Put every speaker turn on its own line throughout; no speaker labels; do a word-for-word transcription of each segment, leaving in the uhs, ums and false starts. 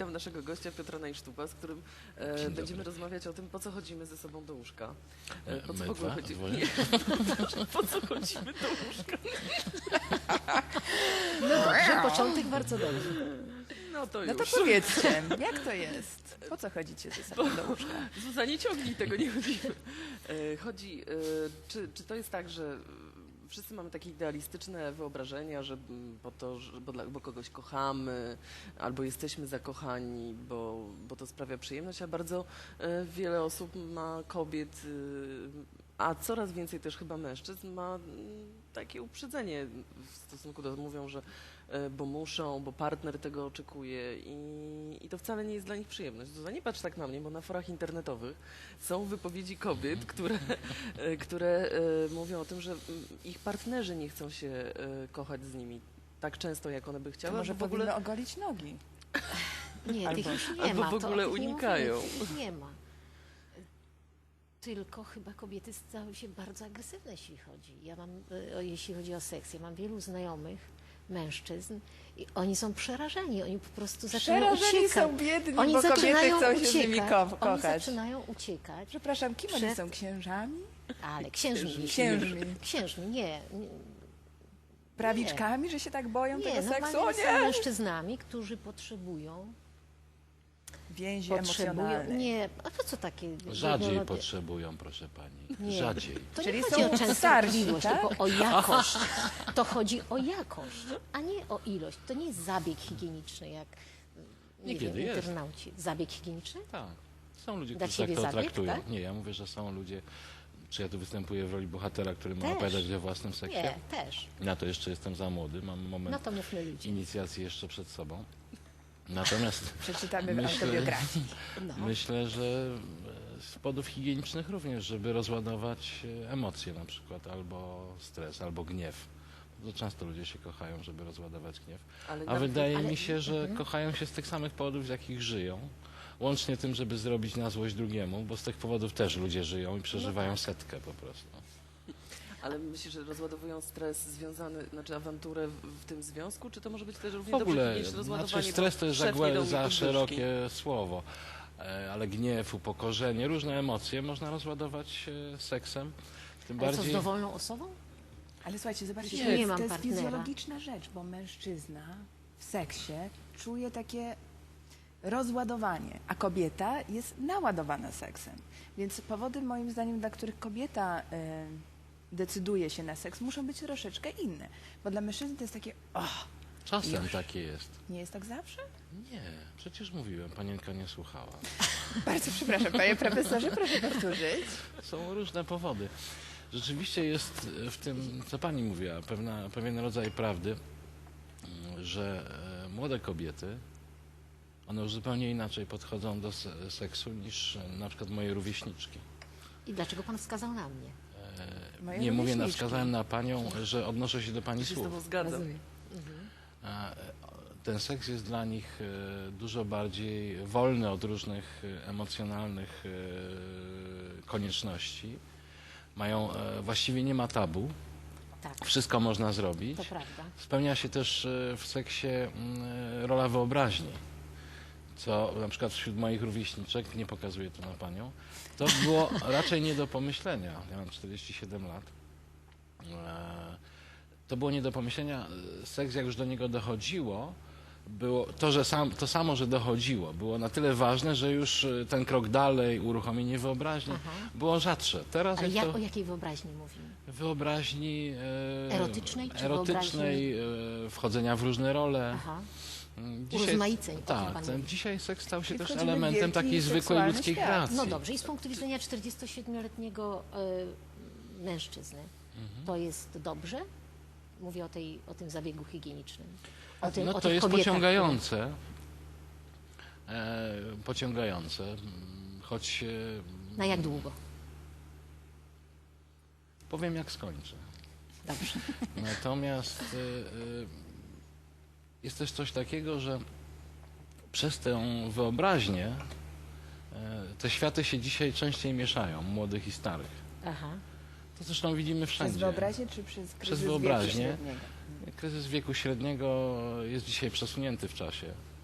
witam naszego gościa Piotra Najsztuba, z którym e, będziemy rozmawiać o tym, po co chodzimy ze sobą do łóżka. E, po co w ogóle chodzimy? Nie, po co chodzimy do łóżka?
No dobrze, początek bardzo dobry.
No to już.
No to powiedzcie, jak to jest? Po co chodzicie ze sobą do łóżka?
Zuza, nie ciągnij tego, nie chodzimy. E, chodzi, e, czy, czy to jest tak, że wszyscy mamy takie idealistyczne wyobrażenia, że po to, że, bo, dla, bo kogoś kochamy, albo jesteśmy zakochani, bo, bo to sprawia przyjemność, a bardzo e, wiele osób ma kobiet, e, a coraz więcej też chyba mężczyzn ma m, takie uprzedzenie w stosunku do, mówią, że e, bo muszą, bo partner tego oczekuje i, i to wcale nie jest dla nich przyjemność. Zuza, nie patrz tak na mnie, bo na forach internetowych są wypowiedzi kobiet, które, e, które e, mówią o tym, że ich partnerzy nie chcą się e, kochać z nimi tak często, jak one by chciały.
To może
w ogóle
powinny ogolić nogi.
Nie,
Albo-
tych już nie
albo
ma.
w ogóle
to, o tych
unikają.
Nie, mówimy, tych nie ma. Tylko chyba kobiety stały się bardzo agresywne, jeśli chodzi. Ja mam, e, jeśli chodzi o seks, ja mam wielu znajomych mężczyzn i oni są przerażeni, oni po prostu zaczynają
Przerażeni
uciekać.
są biedni,
Oni
bo kobiety
zaczynają
chcą się
uciekać.
z nimi ko
Oni
kochać.
zaczynają uciekać.
Przepraszam, kim oni
Przed-
są? Księżami?
Ale księżmi.
Księżmi.
Księżmi, nie. nie
Prawiczkami, że się tak boją
Nie,
tego seksu? O
normalnie są
nie!
mężczyznami, którzy potrzebują,
Więzi
potrzebują,
emocjonalne.
nie, a po co takie?
Rzadziej
no,
potrzebują, proszę pani.
Nie.
Rzadziej.
To
Czyli
nie
są
chodzi o
starsi,
częstotliwość,
tak?
tylko o jakość. To chodzi o jakość, a nie o ilość. To nie jest zabieg higieniczny, jak nie
Niekiedy
wiem,
jest.
internauci. Zabieg higieniczny?
Tak. Są ludzie,
Dla
którzy tak
ciebie
to
zabieg,
traktują.
tak?
Nie, ja mówię, że są ludzie, czy ja tu występuję w roli bohatera, który ma
Też.
opowiadać o własnym seksie.
Nie, też.
Na to jeszcze jestem za młody, mam moment
No to mówmy ludzie.
inicjacji jeszcze przed sobą. Natomiast
Przeczytamy w
Myślę-
autobiografii.
No.
myślę, że z powodów higienicznych również, żeby rozładować emocje na przykład, albo stres, albo gniew. Bardzo często ludzie się kochają, żeby rozładować gniew.
Ale
A
nawet-
wydaje
ale-
mi się, że
mhm.
kochają się z tych samych powodów, z jakich żyją. Łącznie tym, żeby zrobić na złość drugiemu, bo z tych powodów też ludzie żyją i przeżywają setkę po prostu.
Ale myślisz, że rozładowują stres związany, znaczy awanturę w, w tym związku, czy to może być też równie
W ogóle,
dobrze niż rozładowanie?
znaczy stres to jest
bo
za,
szef nie dał
głę-
mi
za
podwyżki?
szerokie słowo, E, ale gniew, upokorzenie, różne emocje można rozładować e, seksem. Tym
Ale co, z
bardziej...
dowolną osobą?
Ale słuchajcie, zobaczcie,
Nie
to jest,
mam
to jest
partnera.
fizjologiczna rzecz, bo mężczyzna w seksie czuje takie rozładowanie, a kobieta jest naładowana seksem. Więc powody moim zdaniem, dla których kobieta y, decyduje się na seks, muszą być troszeczkę inne. Bo dla mężczyzny to jest takie, o,
Czasem
Już.
takie jest.
nie jest tak zawsze?
Nie, przecież mówiłem, panienka nie słuchała.
Bardzo przepraszam, panie profesorze, proszę powtórzyć.
Są różne powody. Rzeczywiście jest w tym, co pani mówiła, pewna, pewien rodzaj prawdy, mm, że e, młode kobiety, one już zupełnie inaczej podchodzą do se- seksu niż e, na przykład moje rówieśniczki.
I dlaczego pan wskazał na mnie?
E,
Moje
nie mówię, na
rówieśniczki.
wskazałem na panią, że odnoszę się do pani
Ja się z
słów.
tobą zgadzam.
Rozumiem.
A, e, ten seks jest dla nich e, dużo bardziej wolny od różnych e, emocjonalnych e, konieczności. Mają, e, właściwie nie ma tabu,
Tak,
wszystko można zrobić.
to prawda.
Spełnia się też e, w seksie mm, e, rola wyobraźni, co na przykład wśród moich rówieśniczek, nie pokazuję to na panią, to było raczej nie do pomyślenia. Ja mam czterdzieści siedem lat. E, To było nie do pomyślenia. Seks, jak już do niego dochodziło, było to, że sam, to samo, że dochodziło, było na tyle ważne, że już e, ten krok dalej, uruchomienie wyobraźni,
Aha.
było rzadsze. Teraz
Ale
jest
jak,
to
o jakiej wyobraźni mówimy?
wyobraźni e,
Erotycznej czy
erotycznej e, wchodzenia w różne role.
Aha.
Mm,
Urozmaiceń, o tym
tak,
pan
ten,
mówi.
dzisiaj seks stał się
Czyli
też
wchodzimy w
elementem
wielki
takiej zwykłej
seksualny
ludzkiej
świat.
kreacji.
No dobrze, i z punktu widzenia czterdziestosiedmioletniego y, mężczyzny,
Mhm.
to jest dobrze? Mówię o, tej, o tym zabiegu higienicznym. O tym,
No
o
to
tych
jest
kobietach,
pociągające, e, pociągające, mm, choć e,
które- Na jak długo?
powiem jak skończę.
Dobrze.
Natomiast e, e, jest też coś takiego, że przez tę wyobraźnię e, te światy się dzisiaj częściej mieszają, młodych i starych.
Aha.
To zresztą widzimy
Przez
wszędzie.
wyobraźnię czy przez kryzys
wyobraźnię.
wieku średniego?
Kryzys wieku średniego jest dzisiaj przesunięty w czasie.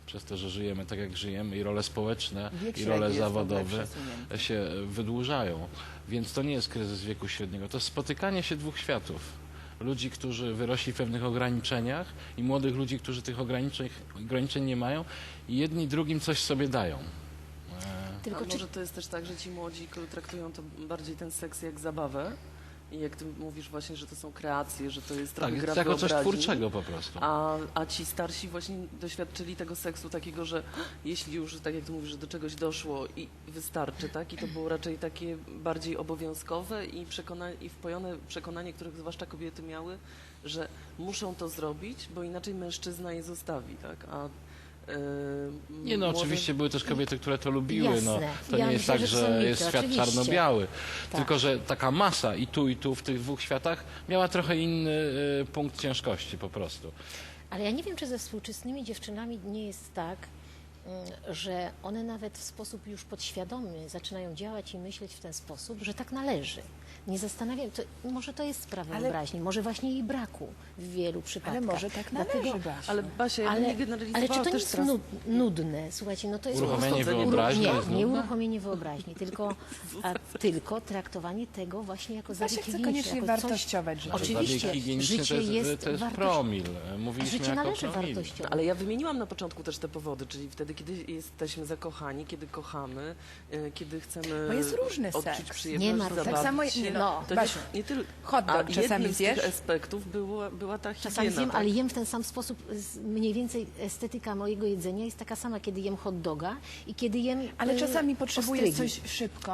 przez to, że żyjemy tak, jak żyjemy i role społeczne,
Wiek
i
średni
role
jest w ogóle
zawodowe
przesunięty.
się wydłużają. Więc to nie jest kryzys wieku średniego, to jest spotykanie się dwóch światów. Ludzi, którzy wyrośli w pewnych ograniczeniach i młodych ludzi, którzy tych ograniczeń, ograniczeń nie mają i jedni drugim coś sobie dają. E,
Tylko
A
czy
może to jest też tak, że ci młodzi k- traktują to bardziej ten seks jak zabawę i jak ty mówisz właśnie, że to są kreacje, że to jest trochę
tak,
gra
jako coś
wyobraźni,
twórczego po prostu.
A, a ci starsi właśnie doświadczyli tego seksu takiego, że jeśli już, tak jak ty mówisz, że do czegoś doszło i wystarczy, tak? I to było raczej takie bardziej obowiązkowe i, przekona i wpojone przekonanie, których zwłaszcza kobiety miały, że muszą to zrobić, bo inaczej mężczyzna je zostawi, tak? A yy,
Nie no,
młode-
oczywiście były też kobiety, które to lubiły.
Jasne.
No, to
Ja
nie jest
myślę,
tak,
że to
że
są mity,
jest świat
oczywiście.
czarno-biały.
Tak.
Tylko, że taka masa i tu, i tu w tych dwóch światach miała trochę inny y, punkt ciężkości po prostu.
Ale ja nie wiem, czy ze współczesnymi dziewczynami nie jest tak, mm, że one nawet w sposób już podświadomy zaczynają działać i myśleć w ten sposób, że tak należy. Nie zastanawiam, to, może to jest sprawa
Ale-
wyobraźni, może właśnie jej braku w wielu przypadkach.
Ale może tak
Dlatego-
należy, Basiu.
Ale Basia, ja bym
Ale,
nie generalizowała
ale czy to nie
też
jest
teraz...
nud, nudne? Słuchajcie, no to jest
Uruchomienie
po prostu-
wyobraźni
Nie,
jest
nie
nudne?
uruchomienie wyobraźni, tylko, a, tylko traktowanie tego właśnie jako
Basia
zabieg
chce
higieniczny,
koniecznie
jako coś-
wartościować życie.
Oczywiście,
Zabieg higieniczny
życie
to jest,
jest
to jest
wartość-
promil.
A
Mówiliśmy
życie
jako
należy
promil.
wartościować.
Ale ja wymieniłam na początku też te powody, czyli wtedy, kiedy jesteśmy zakochani, kiedy kochamy, y, kiedy chcemy
Bo jest różny
odczuć
seks.
przyjemność,
Nie ma
zabawić
różnego.
Tak samo-
się.
no,
to
Basiu,
nie, nie tyl...
hot dog
A
czasami
jednym z tych
zjesz?
aspektów było, była ta higiena.
Czasami zjem,
tak?
ale jem w ten sam sposób. z- Mniej więcej estetyka mojego jedzenia jest taka sama, kiedy jem hot doga i kiedy jem
Ale
y,
czasami potrzebujesz
ostrygi.
coś szybko.